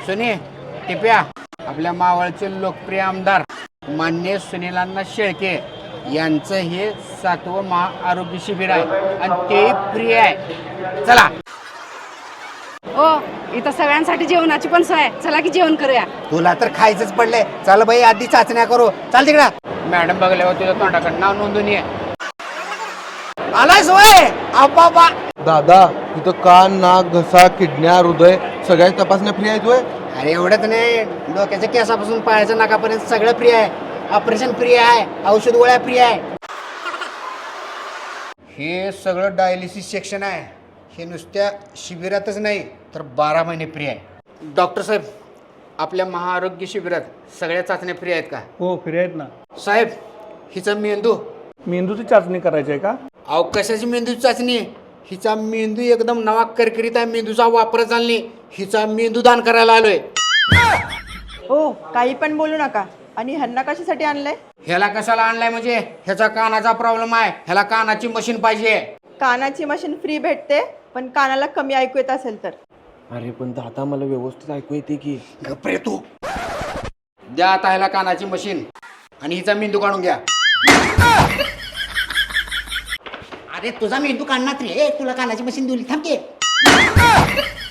सुनी टिप्या आपल्या मावळचे लोकप्रिय आमदार मान्य सुनीलांना शेळके यांचं हे 7वं महाआरोग्य शिबिर आहे आणि ते फ्री आहे. चला. ओ इथं सगळ्यांसाठी जेवणाची पण सोय आहे. चला की जेवण करूया. तुला तर खायचंच पडलंय. चल बाई आधी चाचण्या करू. चाल तिकडं. मॅडम बघल्यावर तुझ्या तोंडाकडे नाव नोंदून ये. आलाय सोय आपापा. दादा इथं कान नाक घसा किडन्या हृदय सगळ्या तपासण्या फ्री आहेत होय. अरे एवढंच नाही, डोक्याच्या केसापासून पायाच्या नाकापर्यंत सगळं फ्री आहे. ऑपरेशन फ्री आहे, औषध गोळ्या फ्री आहे. हे सगळं डायलिसिस सेक्शन आहे. हे नुसत्या शिबिरातच नाही तर 12 महिने फ्री आहे. डॉक्टर साहेब आपल्या महाआरोग्य शिबिरात सगळ्या चाचण्या फ्री आहेत का? हो फ्री आहेत ना. साहेब हिचा मेंदू. मेंदूची चाचणी करायची आहे का? अहो कशाची मेंदूची चाचणी? हिचा मेंदू एकदम नवा करकरीत आहे. मेंदूचा वापर चालणे. हिचा मेंदू दान करायला आलोय. हो काही पण बोलू नका. आणि ह्यांना कशासाठी आणलंय? ह्याला कशाला आणलाय म्हणजे ह्याचा कानाचा प्रॉब्लेम आहे. ह्याला कानाची मशीन पाहिजे. कानाची मशीन फ्री भेटते, पण कानाला कमी ऐकू येत असेल तर. अरे पण दादा मला व्यवस्थित ऐकू येते की. गप्रे तू. द्या आता ह्याला कानाची मशीन आणि हिचा मेंदू काढून घ्या. अरे तुझा मेंदू काढणार रे. तुला कानाची मशीन दिली. थांब की.